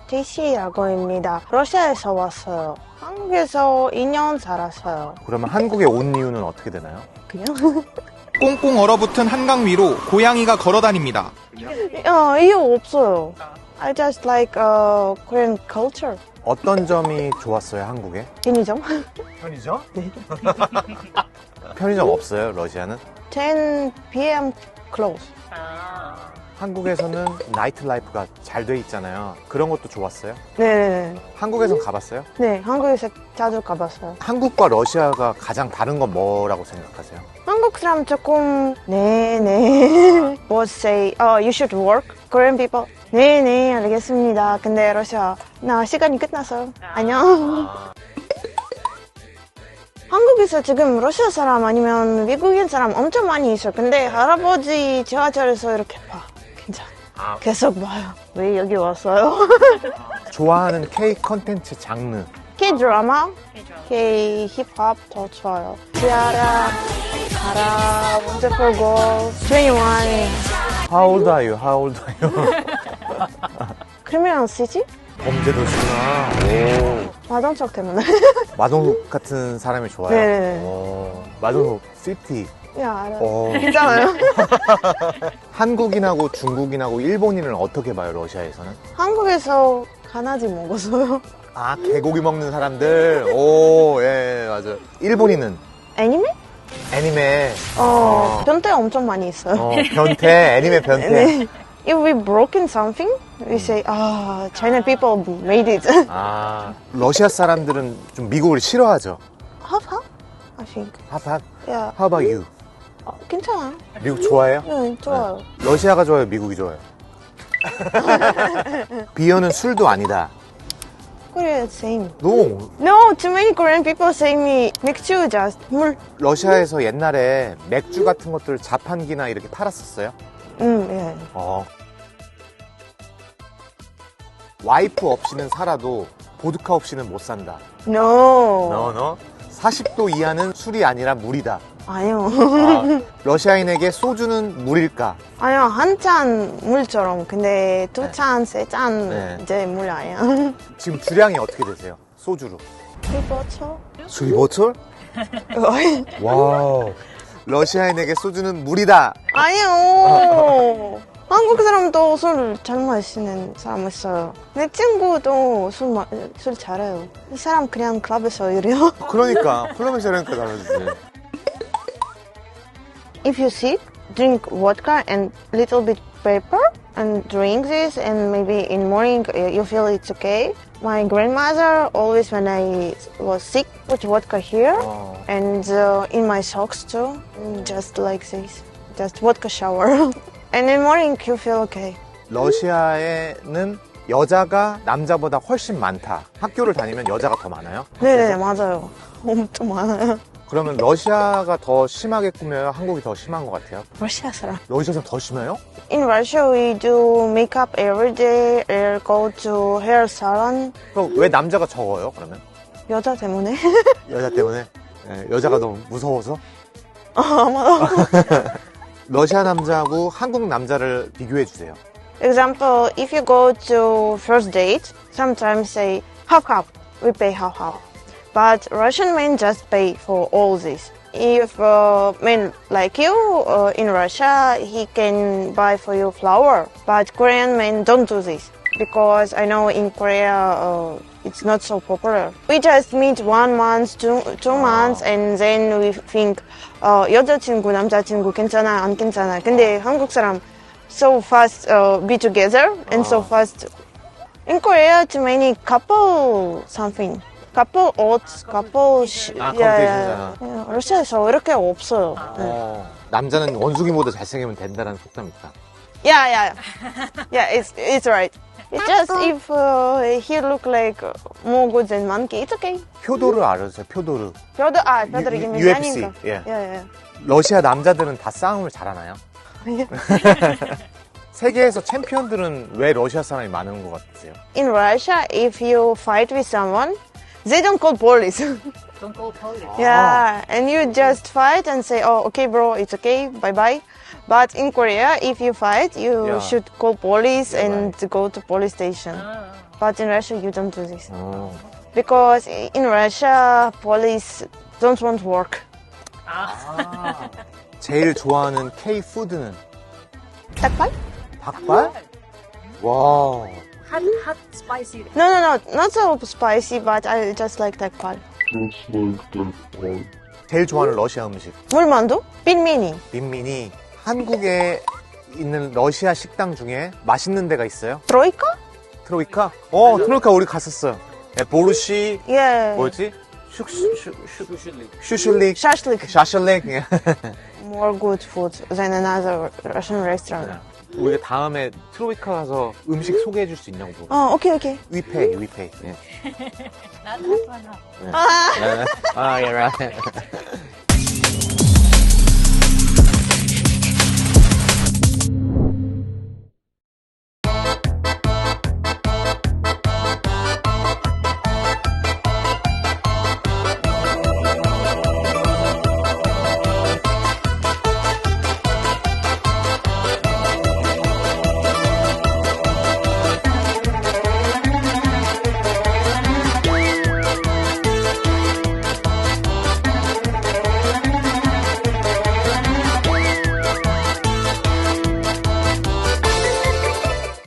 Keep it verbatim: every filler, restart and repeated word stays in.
제이씨라고 합니다. 러시아에서 왔어요. 한국에서 이 년 살았어요. 그러면 한국에 온 이유는 어떻게 되나요? 그냥? 꽁꽁 얼어붙은 한강 위로 고양이가 걸어다닙니다. 어, 이유 없어요. I just like uh, Korean culture. 어떤 점이 좋았어요, 한국에? 편의점? 편의점? 네. 편의점 없어요, 러시아는? ten p.m. close. 한국에서는 나이트 라이프가 잘 돼 있잖아요. 그런 것도 좋았어요? 네네네. 한국에선 가봤어요? 네, 한국에서 자주 가봤어요. 한국과 러시아가 가장 다른 건 뭐라고 생각하세요? 한국 사람 조금 네네 would say, oh, you should work. Korean people, 네네 알겠습니다. 근데 러시아, 나 시간이 끝났어요. 안녕. 한국에서 지금 러시아 사람 아니면 미국인 사람 엄청 많이 있어요. 근데 할아버지 지하철에서 이렇게 봐. 괜찮아. 계속 봐요. 왜 여기 왔어요? 좋아하는 K 컨텐츠 장르. K 드라마, K 힙합 더 좋아요. 티아라, 가라, Wonderful Girl, 이십일. How old are you? How old are you? 크리미널 시티? 범죄도시구나. 오. 마동석 때문에. 마동석 같은 사람이 좋아요? 네. 오. 마동석 시티. 야, 알아요. 오. 괜찮아요. 한국인하고 중국인하고 일본인을 어떻게 봐요, 러시아에서는? 한국에서 가나지 먹었어요. 아, 개고기 먹는 사람들. 오, 예, 맞아요. 일본인은? 애니메? 애니메. 어, 변태 엄청 많이 있어요. 어, 변태, 애니메 변태. 네. If we broken something, we say, ah, China people made it. 아, 러시아 사람들은 좀 미국을 싫어하죠. Half, half, I think. 핫핫. Yeah. How about you? 어, 괜찮아요. 미국 좋아해요? 네, 좋아요. 네. 러시아가 좋아요, 미국이 좋아요? 비어는 술도 아니다. Korea same. No. No, too many Korean people say me 맥주 just 물. 러시아에서 옛날에 맥주 같은 것들 자판기나 이렇게 팔았었어요? 음, 예. 어. 와이프 없이는 살아도 보드카 없이는 못 산다. No. 너, 너. 사십 도 이하는 술이 아니라 물이다. 아니요. 아, 러시아인에게 소주는 물일까? 아니요, 한 잔 물처럼. 근데 두 잔, 세 잔 네. 이제 물 아니야. 지금 주량이 어떻게 되세요? 소주로. 그렇죠. 수입보철? 와우. 러시아인에게 소주는 물이다. 아니요. 한국 사람도 술 잘 마시는 사람 있어요. 내 친구도 술, 마, 술 잘해요. 이 사람 그냥 클럽에서 이래요. 그러니까 클럽에서 이러니까 달라지지. If you sit, drink vodka and little bit pepper and drink this and maybe in morning you feel it's okay. My grandmother always when I was sick put vodka here 어. and uh, in my socks too. Just like this. Just vodka shower. And in morning you feel okay. 러시아에는 여자가 남자보다 훨씬 많다. 학교를 다니면 여자가 더 많아요? 네네 맞아요. 엄청 많아요. 그러면 러시아가 더 심하게 꾸며요? 한국이 더 심한 것 같아요? 러시아 사람. 러시아 사람 더 심해요? In Russia we do makeup every day. We go to hair salon. 그럼 왜 남자가 적어요? 그러면 여자 때문에. 여자 때문에? 네, 여자가 너무 무서워서? 아마도. 러시아 남자하고 한국 남자를 비교해 주세요. Example, if you go to first date, sometimes say half half. We pay half half. But Russian men just pay for all this. If uh, men like you uh, in Russia, he can buy for you flower. But Korean men don't do this because I know in Korea uh, it's not so popular. We just meet one month, two, two months, and then we think uh, 여자친구, 남자친구 괜찮아, 안 괜찮아. 근데 한국 사람 so fast uh, be together and so fast. In Korea, too many couple something. couple oats, couple sh- 아, yeah, 컴퓨테이션이잖아. yeah. 러시아에서 이렇게 없어요. 네. 어, 남자는 원숭이보다 잘생기면 된다는 속담이 있다. Yeah, yeah, yeah. It's it's right. It's just if uh, he look like more good than monkey, it's okay. 표도를 알아주세요. 표도를. 뼈도 아 뼈들이 유- 있는 유- 게 유에프씨, 아닌가. 예. Yeah, yeah. 러시아 남자들은 다 싸움을 잘하나요? 세계에서 챔피언들은 왜 러시아 사람이 많은 것 같으세요? In Russia, if you fight with someone, they don't call police. Don't call police. Yeah, and you just fight and say, oh, okay, bro, it's okay, bye bye. But in Korea, if you fight, you Yeah. should call police Yeah, and go to police station. Ah. But in Russia, you don't do this. 어. Because in Russia, police don't want work. 제일 좋아하는 K 푸드는 닭발? 닭발? 와. Hot, hot, spicy. No, no, no, not so spicy, but I just like 닭발. 제일 좋아하는 러시아 음식. 물만두? 빈미니. 민민이 한국에 있는 러시아 식당 중에 맛있는 데가 있어요? 트로이카? 트로이카? 어, 트로이카 우리 갔었어요. 네, 보르시 Yeah. 뭐였지? 슈슈슈 슈슐릭 Shashlik. 샤슐릭. More good food than another Russian restaurant. 우리가 다음에 트로이카 가서 음식 소개해 줄 수 있냐고. Oh, okay, okay. 위페이, 위페이. 예. Not that one. 아, 예, right.